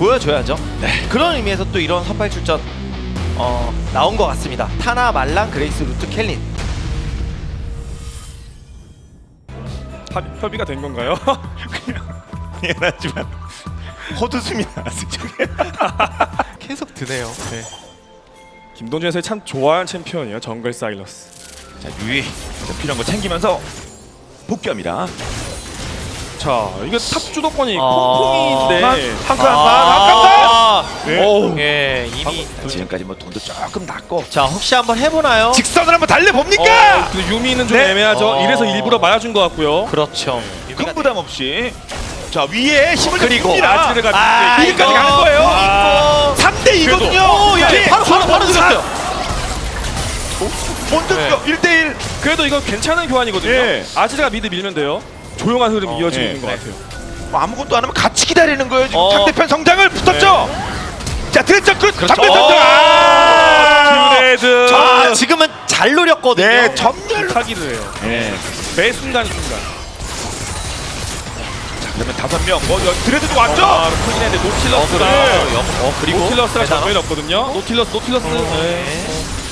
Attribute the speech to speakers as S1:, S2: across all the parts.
S1: 보여줘야죠. 네. 그런 의미에서 또 이런 선발 출전 나온 것 같습니다. 타나, 말랑, 그레이스, 루트, 켈린.
S2: 협의가 된 건가요?
S3: 그냥 미안하지만 헛웃음이 나왔어.
S1: 계속 드네요. 네.
S2: 김동준 선수 참 좋아하는 챔피언이에요. 정글 사일러스.
S3: 자 유이 자, 필요한 거 챙기면서 복귀합니다.
S2: 자, 이게 탑 주도권이
S1: 아.
S2: 콩콩인데
S1: 아,
S2: 네.
S1: 예, 이미.
S3: 지금까지 뭐 돈도 조금 났고
S1: 자, 혹시 한번 해보나요?
S3: 직선을 한번 달려봅니까?
S2: 근데 유미는 좀
S3: 네.
S2: 애매하죠. 이래서 일부러 맞아준 것 같고요.
S1: 그렇죠.
S3: 큰 부담 없이 자 위에 힘을
S1: 그리고
S3: 줍니다.
S2: 아지르가
S3: 이리까지
S1: 이거.
S3: 가는 거예요.
S2: 아.
S3: 3대 2거든요.
S1: 그래도, 예, 바로 늦었어요.
S3: 먼저
S1: 네.
S3: 1대1.
S2: 그래도 이거 괜찮은 교환이거든요.
S3: 예.
S2: 아지르가 미드 밀면 돼요. 조용한 흐름이 이어지고
S3: 예.
S2: 있는 것
S3: 네.
S2: 같아요.
S3: 뭐 아무것도 안 하면 같이 기다리는 거예요. 지금
S1: 어.
S3: 상대편 성장을 붙었죠. 자 드레스 끝.
S1: 그렇죠.
S3: 장면 성장.
S2: 듀레드.
S1: 자, 지금은 잘 노렸거든요.
S3: 네 전멸.
S2: 타기를 해요.
S3: 네.
S2: 매 순간.
S3: 그러면 5명. 뭐 드레스도 왔죠.
S2: 그렇긴 했는데 노틸러스가
S1: 그리고
S2: 노틸러스가
S1: 대단하-
S2: 정면이 없거든요. 노틸러스. 네.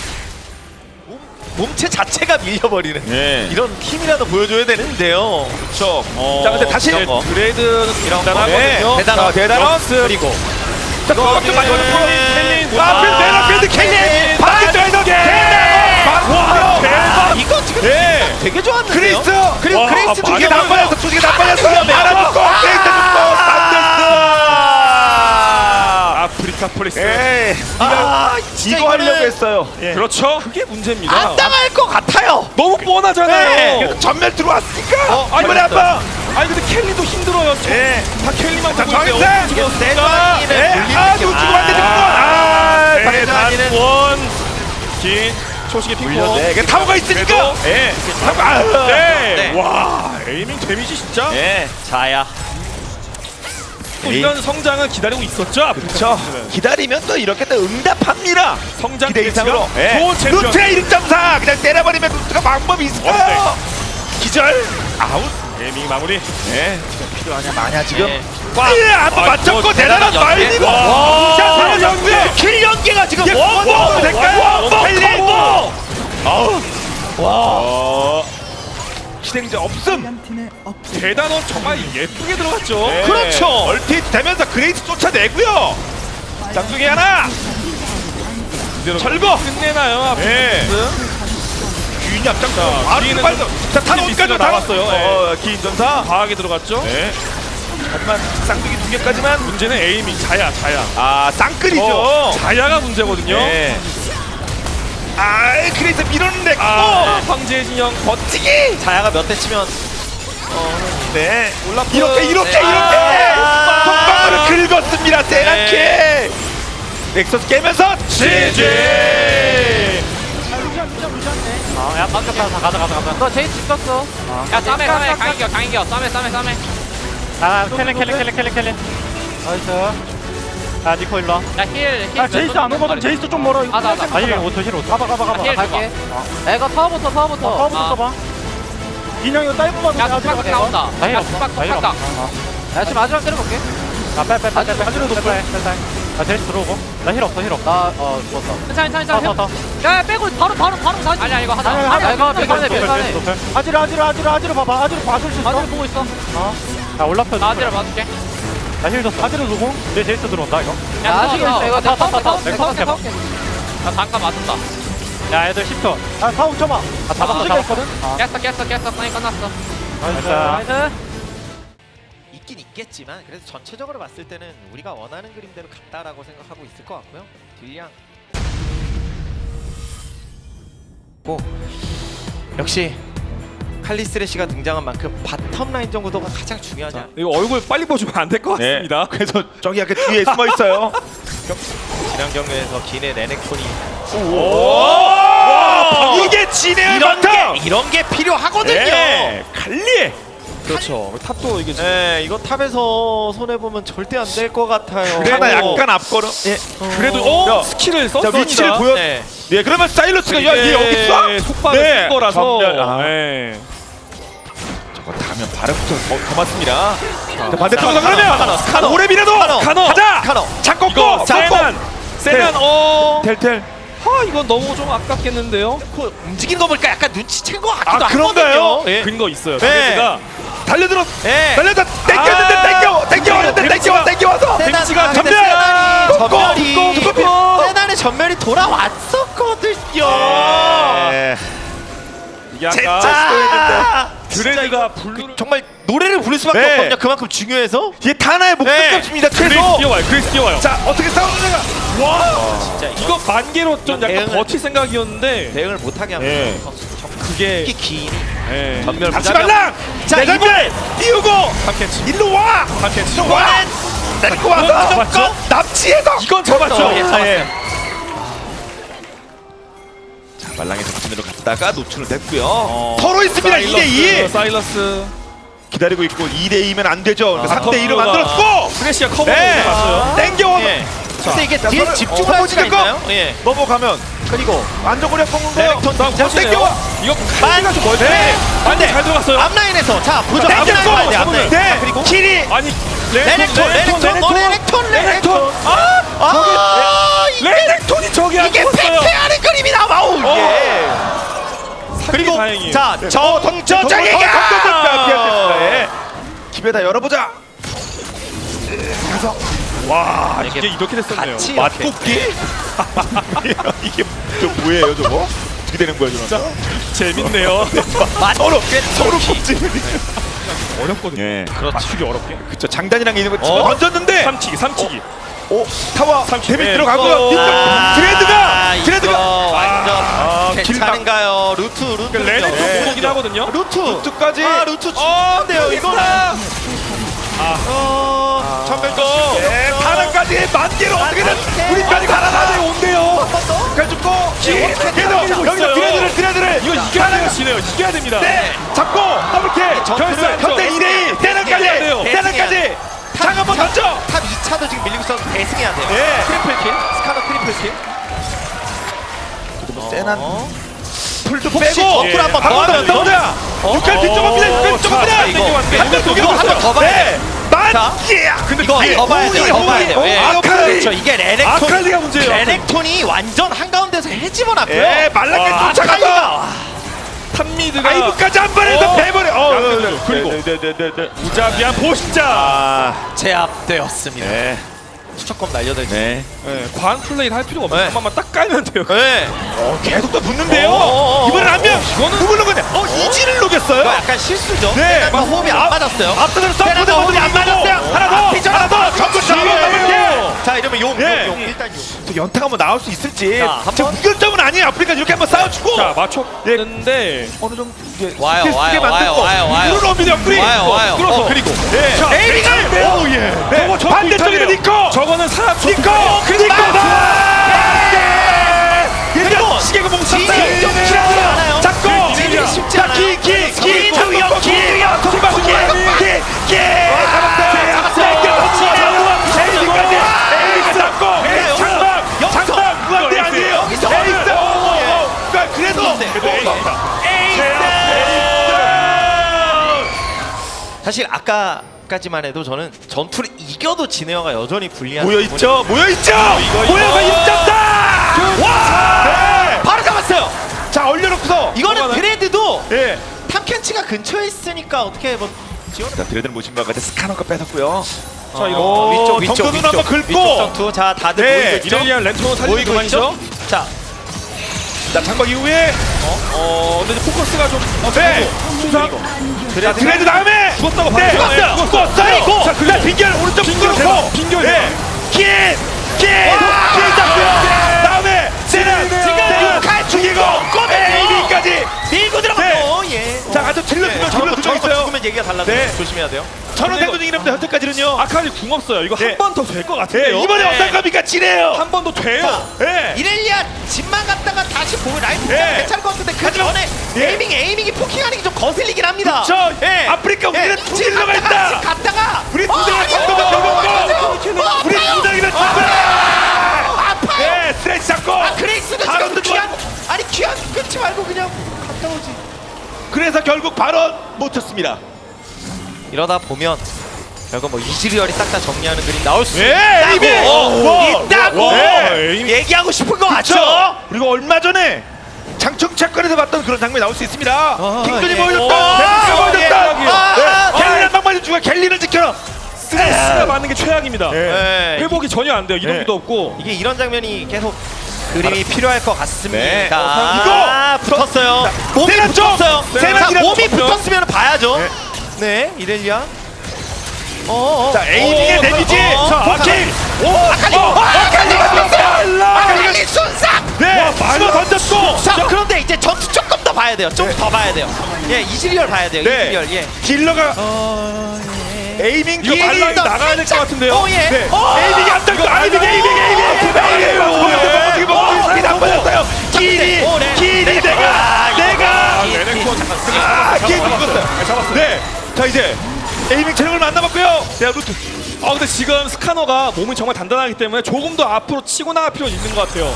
S1: 몸체 자체가 밀려버리는
S3: 네.
S1: 이런 힘이라도 보여줘야 되는데요.
S3: 그렇죠. 자 근데 다시
S1: 이런 거.
S2: 드레드는
S1: 이런 거.
S2: 대단하거든요.
S1: 대단한
S3: 대단한.
S1: 그리고
S3: 자 그것도 많이
S1: 켈린.
S3: 켈린. 앞에 필드 켈린. 반대쪽에서 켈린.
S2: 와, 대박.
S1: 이거 지금
S3: 네.
S1: 되게 좋았는데요.
S3: 그리스.
S1: 그리고
S2: 와,
S1: 그레이스
S3: 두 개
S1: 두개
S3: 다 빠졌어. 두 개 다 빠졌어. 하나 죽고 그레이스 죽고 산데스.
S2: 아프리카 프리스.
S3: 에이.
S1: 진짜
S3: 이거 하려고
S1: 이거는
S3: 했어요. 예.
S2: 그렇죠. 그게 문제입니다.
S1: 안 당할 것 같아요.
S2: 너무 뻔하잖아요.
S3: 그래도 전멸 들어왔으니까.
S1: 아니,
S3: 이번에 한 번.
S2: 아니 근데 켈리도 힘들어요.
S3: 예.
S2: 다 켈리만
S3: 자,
S2: 보고 있는데
S3: 정인세!
S2: 어떻게
S1: 이거
S2: 됐습니까?
S1: 세관이는
S3: 예.
S1: 불리는
S3: 아,
S1: 게-
S3: 놓치고 안 돼, 놓치고. 아,
S1: 세관이는
S2: 단원 긴 초식의 핑퐁.
S3: 물렸네. 이게 타워가 있으니까. 예.
S2: 네.
S1: 네.
S2: 와 에이밍 데미지 진짜.
S3: 예.
S1: 자야.
S2: 또 이런 성장을 기다리고 있었죠.
S3: 그렇죠. 기다리면 또 이렇게 또 응답합니다.
S2: 성장
S3: 기대 이상으로.
S2: 기대치가 좋은 챔피언.
S3: 루트의 1.4 그냥 때려버리면 루트가 방법이 있을까요? 기절. 아웃.
S2: 에이밍 마무리.
S3: 예. 필요하냐 마냐 지금.
S1: 예.
S3: 예, 한번 맞췄고 대단한
S1: 대단한 연계.
S3: 말리고.
S2: 와.
S3: 자, 사라졌고요.
S1: 킬 연계가 지금
S3: 예, 원원 될까요? 펠린. 아우.
S2: 와.
S3: 실행자 없음.
S2: 대단원 정말 예쁘게 들어갔죠.
S3: 네.
S1: 그렇죠.
S3: 얼핏 되면서 그레이스 쫓아내고요. 쌍둥이 하나.
S2: 이대로
S3: 철거.
S2: 끝내나요?
S3: 예. 귀인 앞장. 바로
S2: 뒤에는
S3: 빨리. 자, 탄
S2: 미스가
S3: 어디까지
S2: 나왔어요.
S3: 기인 전사.
S2: 과하게 들어갔죠.
S3: 네. 하지만 쌍둥이 2개까지만.
S2: 문제는 에이밍 자야.
S3: 아, 쌍끌이죠.
S2: 자야가 문제거든요.
S3: 네. 아, 그레이스 밀었는데.
S2: 아, 황제의 진영
S3: 버티기.
S1: 자야가 몇 대 치면
S3: 네.
S1: 올라프.
S3: 이렇게.
S1: 아.
S3: 손방울을 긁었습니다. 세란케. 넥서스 깨면서 GG.
S4: 야 깜짝이야 가자 너 제일 집 썼어
S5: 야 쌈에 강이겨 쌈에
S4: 아 켈린 나이스 야 니코 일로와
S5: 야힐
S4: 제이스 안 오거든 제이스 좀 멀어 이거
S5: 나.
S4: 아니 힐 5초 가봐
S5: 힐
S4: 갈게
S5: 야 이거 타워부터
S4: 파워부터 써봐 인형 이거 다이브 봐도
S5: 야 뚝박 나온다
S4: 나 힐
S5: 야
S4: 없어
S5: 뚝박
S4: 나 힐 없어
S5: 야 지금 마지막 때려볼게
S4: 빼 하지로 높여 아 제이스 들어오고 나 힐 없어 나어 죽었어
S5: 괜찮아 야 빼고 바로 다시 아니야 이거 하자
S4: 아니야,
S5: 이거 백간에
S4: 아지로 봐봐 아지로 봐줄 수 있어
S5: 아들 보고 있어
S4: 야 올라프
S5: 나 아들을 봐줄게
S4: 나힐 줬어 아지로 누구? 내 제이스 들어온다 이거
S5: 야 아직 있어 이거 내가
S4: 타.
S5: 타올게
S4: 해봐.
S5: 나 잠깐 맞았다
S4: 야 애들 10초 아 사우 쳐봐 아 잡았거든
S5: 깼어 사인 끝났어
S4: 나이스
S1: 있긴 있겠지만 그래도 전체적으로 봤을 때는 우리가 원하는 그림대로 갔다라고 생각하고 있을 것 같고요. 딜량 역시 칼리스레시가 등장한 만큼 바텀 라인 정도가 가장 중요하지 않나.
S2: 이거 얼굴 빨리 보시면 안 될 것 같습니다.
S3: 그래서 저기 약간 뒤에 숨어 있어요.
S1: 지난 경기에서 기내 레넥톤이
S3: 이게 진해의
S1: 이런
S3: 바텀.
S1: 이런 게 필요하거든요.
S3: 네. 갈리.
S2: 그렇죠. 탑도 이게 지금
S1: 네, 이거 탑에서 손해 보면 절대 안 될 것 같아요.
S3: 하나 약간 앞걸음. 예.
S2: 그래도
S3: 야,
S2: 스킬을
S3: 자
S2: 썼습니다.
S3: 위치를 보여.
S1: 네.
S3: 네, 그러면 사일러스가 야얘 여기 있어.
S2: 속박을
S3: 네.
S2: 쓴 거라서
S3: 전멸. 아.
S2: 네.
S3: 저거 다면 바로부터 더 맞습니다. 자, 반대쪽으로 그러면
S1: 스카노.
S3: 오레비라도
S2: 카노.
S3: 가자.
S1: 카노.
S3: 잡고
S2: 이거
S3: 고
S2: 세난 세난
S3: 텔텔.
S2: 이건 너무 좀 아깝겠는데요.
S1: 그 움직이는 거 보니까 약간 눈치챈 것 같기도
S3: 아, 그런가요?
S1: 하거든요. 예.
S2: 근거 있어요.
S1: 네.
S2: 상대가
S3: 달려들어.
S1: 예.
S3: 달려다 땡겼는데 땡겨왔는데 땡겨와서
S2: 데미지가
S1: 근데
S3: 전멸!
S1: 세난이
S3: 꺾고!
S1: 세난의 전멸이 돌아왔었거든요.
S3: 네.
S2: 이게 아까
S1: 진짜
S2: 드레드가 블루를
S1: 정말 노래를 부를 수밖에
S3: 네.
S1: 없거든요. 그만큼 중요해서.
S3: 이게 타나의 목숨값입니다.
S2: 그레이스
S3: 최소.
S2: 뛰어와요. 그레이스 뛰어와요.
S3: 자 어떻게 싸우느냐. 와.
S1: 진짜
S2: 이거 만개로 좀 약간
S1: 대응을-
S2: 버틸 생각이었는데
S1: 대응을 못하게 하면
S3: 예.
S2: 그게
S1: 특히 긴
S2: 예.
S1: 전멸
S3: 잡지
S1: 무자비한-
S3: 말라.
S1: 자,
S3: 내 전멸 띄우고
S2: 탐캐치
S3: 일로 와.
S2: 탐캐치
S3: 일로 와. 데리고 와서
S2: 잡았죠?
S3: 납치해서.
S2: 이건 잡았죠.
S1: 예, 잡았어요.
S3: 자 말랑의 정신으로 갔다가 노출은 됐고요. 서로 있습니다.
S2: 사일러스,
S3: 2대2
S2: 사일러스
S3: 기다리고 있고 2대2면 안 되죠. 그러니까
S2: 아,
S3: 3대2로
S2: 커브가-
S3: 만들었고.
S2: 프레시아 커버
S3: 네.
S2: 봤어요.
S3: 땡겨와.
S1: 예. 근데 이게
S3: 자,
S1: 뒤에
S3: 서로-
S1: 집중을
S3: 서로
S1: 할 수가
S3: 찍을까?
S1: 있나요? 예.
S3: 넘어가면
S1: 그리고
S3: 안정거리 꺾는 거.
S1: 레넥톤
S2: 다음
S1: 진짜
S2: 코스네요.
S3: 땡겨와.
S2: 이거
S1: 만-
S2: 칼리가 좀 멀대.
S3: 네.
S2: 반대 잘 들어갔어요.
S1: 앞라인에서 자 보죠. 앞라인
S3: 땡겼고.
S1: 봐야 돼. 앞라인.
S3: 네.
S1: 자, 그리고
S3: 킬이.
S2: 아니
S1: 레넥톤
S3: 레넥톤.
S1: 이게
S2: 레넥톤이 저기 안
S1: 이게
S2: 죽었어요.
S1: 패패하는 그림이 나와우. 이게. 그리고
S2: 다행이에요.
S1: 자 정정정에게
S3: 예. 기회다 열어보자. 와
S2: 이게 이렇게 됐었네요.
S1: 같이
S3: 맛뽑기? 이게 저 뭐예요 저거? 어떻게 되는 거야 진짜?
S2: 재밌네요.
S3: 서로 뽑지.
S2: 어렵거든요.
S3: 예.
S2: 맞추기 어렵게.
S3: 그쵸 장단이랑 있는 거 집어
S1: 어?
S3: 던졌는데.
S2: 삼치기.
S3: 오 타워
S2: 삼십.
S3: 데미지
S2: 네.
S3: 들어가고요.
S1: 아,
S3: 드레드가
S1: 이거 완전
S3: 길
S1: 괜찮은가요? 루트
S2: 레넥톤
S3: 네.
S2: 못 오긴 하거든요.
S1: 루트
S3: 루트까지.
S1: 루트 좋은데요 이거는. 전멸도.
S3: 예, 타나까지 만개로 어떻게든 우리까지 갈아놔야 온대요. 그래 죽고 계속 여기서 드레드를
S2: 이거 이겨야 돼요, 지네요. 이겨야 됩니다.
S3: 네 잡고 더블킬
S2: 결승
S3: 현대 2대2 대단까지
S2: 돼요.
S3: 대단까지 장 한번 던져.
S1: 탑 2차도 지금 밀리고 있어서 대승해야 돼요.
S3: 예.
S1: 트리플킬 스카너 트리플킬.
S3: 세난 풀도
S1: 혹시
S3: 빼고
S1: 버프를 한번 더
S3: 한번
S1: 하면
S3: 더 보자. 6할 뒷쪽입니다. 6할 뒷쪽입니다.
S1: 이거 한번 더 봐야 돼. 자,
S3: 근데
S1: 이거 더 봐야 돼요. 더 봐야 돼요. 예.
S3: 아칼리
S1: 그렇죠. 이게 레넥톤.
S3: 아칼리가 문제예요.
S1: 레넥톤이 완전 한가운데서 해집어놨고요.
S3: 예 말랑게
S2: 와,
S3: 쫓아가서
S2: 탑미드가
S3: 아이브까지 한 번에서 빼버려.
S2: 그리고 무자비한 보신자.
S1: 제압되었습니다.
S3: 네.
S1: 수척검 날려들지.
S3: 네.
S2: 과한 플레이를 할 필요가 없어요.
S1: 네.
S2: 한 번만 딱 깔면 돼요.
S1: 네.
S3: 계속 또 붙는데요.
S1: 어.
S3: 이번엔 한 명.
S2: 이거는
S3: 누굴 녹였냐? 이지를 녹였어요.
S1: 이거 약간 실수죠.
S3: 네.
S1: 세나가 호흡이 안 맞았어요.
S3: 앞서는
S1: 세나가
S3: 서포트
S1: 호흡이 안 맞았어요.
S3: 하나 더.
S1: 앞이죠.
S3: 하나 더. 전부 잡아볼게.
S1: 자 이러면 용
S3: 예.
S1: 일단 용.
S3: 또 연타가 뭐 나올 수 있을지.
S1: 자, 한
S3: 저
S1: 번.
S3: 무결점은 아니에요. 아프리카 이렇게 한번 싸워주고.
S2: 자 맞췄는데
S3: 어느 정도 이게
S1: 와요,
S3: 스킬 쓰게
S1: 와요,
S3: 만들고.
S1: 와요, 와요.
S3: 이리로 옵니다. 옆구리.
S1: 와요.
S2: 끌어서.
S1: 그리고
S3: 예.
S2: 자,
S3: 에이밍을. 오 예. 네.
S2: 저거
S3: 반대쪽에는 니코.
S2: 저거는 사람
S3: 니코.
S1: 그리고
S3: 그리고 시계가 못
S1: 진이
S3: 샀어요.
S1: 좀 쉽지 않아요.
S3: 잡고.
S1: 진이 쉽지 않아요.
S3: 기.
S1: 사실 아까까지만 해도 저는 전투를 이겨도 진에어가 여전히 불리한
S3: 모여있죠. 모여있죠. 모여가 1.4. 와.
S1: 바로 잡았어요.
S3: 자 얼려놓고서.
S1: 이거는 드레드도
S3: 예.
S1: 탐켄치가 근처에 있으니까 어떻게 뭐 지원.
S3: 자 드레드는 보신 바와 같이 스카너가 뺏었고요.
S2: 자 이거
S1: 위쪽
S3: 정면으로 한번 긁고.
S1: 위쪽 전투. 자 다들
S3: 네,
S1: 모이고 있죠.
S2: 이렐리안 렌토 살리는
S1: 모이고
S2: 그만이죠.
S1: 있죠. 자
S3: 자 장박 이후에
S2: 근데 이제 포커스가 좀
S3: 네. 순상. 자 드레드 다음에
S2: 죽었다고
S3: 네.
S2: 봤어요.
S3: 죽었어요. 자 그래 빙결 오른쪽
S2: 빙결
S3: 끊어놓고.
S2: 대박. 빙결
S3: 네. 킬 잡고요. 다음에 세는
S1: 지금 칼
S3: 죽이고 AB까지.
S1: 밀고 들어가고 예.
S3: 자 아주 질러주면
S1: 저런 거
S3: 있어요.
S1: 죽으면 얘기가 달라서
S3: 네.
S1: 조심해야 돼요.
S3: 천원 대도 중이랍니다. 현재까지는요.
S2: 아칼리 궁 없어요. 이거
S3: 네.
S2: 한 번 더 될 것
S3: 네,
S2: 같은데요.
S3: 이번에
S1: 네.
S3: 어떤 겁니까? 지네요.
S2: 한 번 더 돼요.
S3: 네.
S1: 이렐리아 집만 갔다가 다시 보면 라이프
S3: 네.
S1: 괜찮을 것 같은데 그
S3: 하지만-
S1: 전에
S3: 네.
S1: 에이밍이 포킹하는 게 좀 거슬리긴 합니다.
S3: 저
S1: 예.
S3: 아프리카 우리는 두
S1: 지금
S3: 딜러가 있다.
S1: 갔다가
S3: 우리 두 딜러가 잡고도 잡고. 우리 두 딜러가 잡고.
S1: 아파요.
S3: 네, 스트레스 잡고.
S1: 그레이스는
S3: 바론도
S1: 지금 귀한 끊지 말고 그냥 갔다 오지.
S3: 그래서 결국 발언 못 쳤습니다.
S1: 이러다 보면 결국 뭐 이즈리얼이 싹 다 정리하는 그림 나올 수
S3: 예, 에이밍!
S1: 있다고
S3: 네.
S1: 얘기하고 싶은 거 맞죠?
S3: 그렇죠. 그리고 얼마 전에 장충 채권에서 봤던 그런 장면이 나올 수 있습니다. 킹존이
S1: 예.
S3: 보여줬다. 데뷔가 보여줬다. 갤리는 방만이 주가 갤리를 지켜라.
S2: 스트레스가 맞는 게 최악입니다.
S3: 네.
S2: 회복이 전혀 안 돼요. 이동기도
S3: 네.
S2: 없고.
S1: 이게 이런 장면이 계속 그림이 필요할 것 같습니다.
S3: 네.
S1: 이거 붙었어요. 몸이
S3: 세나 쪽!
S1: 붙었어요.
S3: 세나
S1: 자,
S3: 지나
S1: 몸이
S3: 붙었어요.
S1: 붙었으면 봐야죠.
S3: 네.
S1: 네, 이렐리아.
S3: 자, 에이밍의 데미지. 자, 아킬. 아칼리가 떴어요. 아칼리 순삭. 네, 집어 던졌고.
S1: 자, 그런데 이제 전투 조금 더 봐야 돼요. 좀 더 봐야 돼요. 예, 이즈리얼 봐야 돼요.
S3: 네.
S1: 이즈리얼. 예.
S3: 딜러가 에이밍 좀
S2: 발랑이 나가야 될 것 같은데요.
S1: 어, 예.
S3: 네. 에이밍이 안 던져. 에이밍. 어떻게 먹고 스피드 안 빠졌어요. 길이 내가.
S2: 레넥톤 잠깐
S3: 길이 죽었어요.
S2: 잡았어요.
S3: 네. 자, 이제 에이밍 체력을 만나봤고요. 네, 루트.
S2: 근데 지금 스카너가 몸이 정말 단단하기 때문에 조금 더 앞으로 치고 나갈 필요는 있는 것 같아요.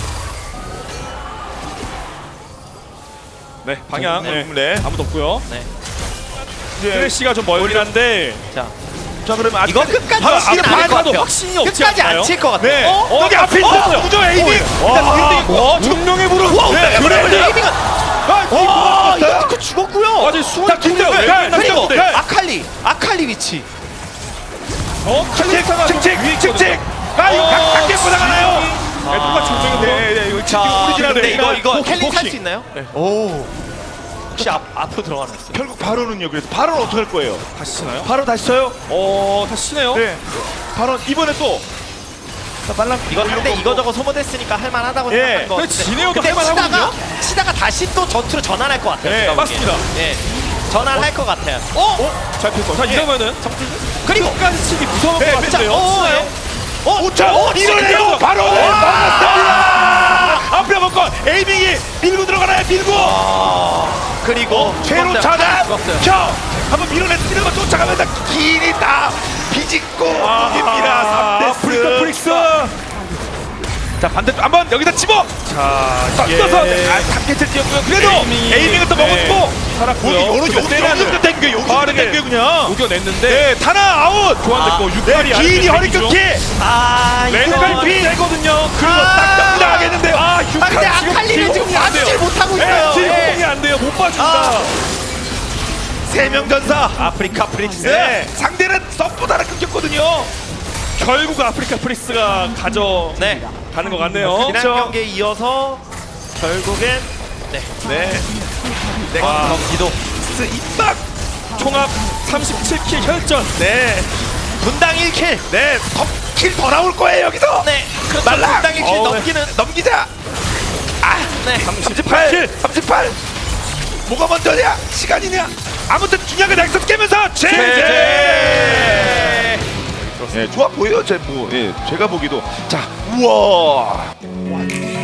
S2: 네, 방향.
S3: 네.
S2: 아무도 없고요.
S3: 이제
S2: 플래시가 좀 멀긴 한데
S1: 자,
S3: 자, 그러면
S1: 이거 끝까지
S3: 바로
S1: 치진
S3: 앞에
S1: 않을 것
S2: 가도
S1: 같아요.
S2: 확신이 없지
S1: 끝까지
S2: 않나요?
S1: 안 칠 것 같아요.
S3: 네. 여기 앞에
S2: 있어요.
S3: 무조 에이밍.
S2: 운명의 불을.
S3: 네, 그러면
S1: 에이밍은 이거 죽었고요.
S2: 아직 수원
S3: 자, 김대호.
S1: 그리고
S3: 네.
S1: 아칼리 위치.
S3: 칙칙. 아, 이거 각계 보다가나요?
S2: 똑같이 운명의 불.
S3: 네, 이거
S1: 자,
S3: 오리지널.
S1: 근데 이거 켈리
S2: 복싱.
S1: 살 수 있나요? 오. 혹시 앞으로 들어가는 있어요?
S3: 결국 바로는요. 그래서 바로는 어떻게 할 거예요?
S2: 다시 치나요?
S3: 바로 다시 쳐요?
S2: 다시 치네요.
S3: 네. 바로 이번에 또. 자, 발랑
S1: 이거 상대 이거저거 소모됐으니까 할만하다고
S3: 예.
S1: 생각한 거
S2: 근데
S1: 같은데.
S2: 진해요도
S1: 근데
S2: 할만하거든요.
S1: 치다가 다시 또 전투로 전환할 것 같아요.
S3: 네,
S1: 제가
S2: 맞습니다.
S1: 보기에는. 예, 전환할 것 같아요.
S2: 잘 폈고. 자, 이러면은
S1: 그리고
S2: 끝까지 치기 무서울
S3: 네,
S2: 것 같은데요.
S3: 자, 이러네요. 바로 막았습니다. 앞에 먹고 에이밍이 밀고 들어가나요? 밀고.
S1: 그리고
S3: 최로
S1: 죽었어요.
S3: 차단.
S1: 죽었어요.
S3: 켜. 한번 밀어냈습니다. 쫓아가면서 길이 다 비집고 옵니다. 3대스.
S2: 프릭스.
S3: 자, 반대쪽 한번 여기다 집어.
S2: 자,
S3: 던져서 3개째 뛰었고요. 그래도 에이밍은 또 먹었고
S2: 살았고요.
S3: 여기서 땡겨. 여기서
S2: 빠르게
S3: 땡겨 그냥.
S2: 녹여냈는데
S3: 네, 타나 아웃.
S2: 교환됐고 육발이
S3: 네, 길이 허리 끊기. 왼발 피.
S2: 되거든요.
S3: 그리고 딱 당당하겠는데요.
S1: 근데 아칼리는 지금 봐주질 못하고 있어요.
S2: 지금
S1: 예.
S2: 공이 안 돼요. 못 봐준다.
S3: 세명 전사.
S1: 아프리카 프릭스.
S3: 네, 상대는 썩보다는 끊겼거든요.
S2: 결국 아프리카 프릭스가 가져가는
S1: 네.
S2: 것 같네요.
S1: 지난 경기에 이어서 결국엔
S3: 네.
S1: 경기도
S3: 입박.
S2: 총합 37킬 혈전.
S3: 네.
S1: 분당 1킬.
S3: 네. 킬 더 나올 거예요 여기서.
S1: 네. 그렇죠.
S3: 말라.
S1: 분당 1킬 넘기는.
S3: 넘기자.
S1: 네.
S3: 38. 38. 뭐가 먼저냐? 시간이냐? 아무튼 중요한 건 넥서스 깨면서 제제. 네, 좋아 보여요. 제가 보기도. 자, 우와.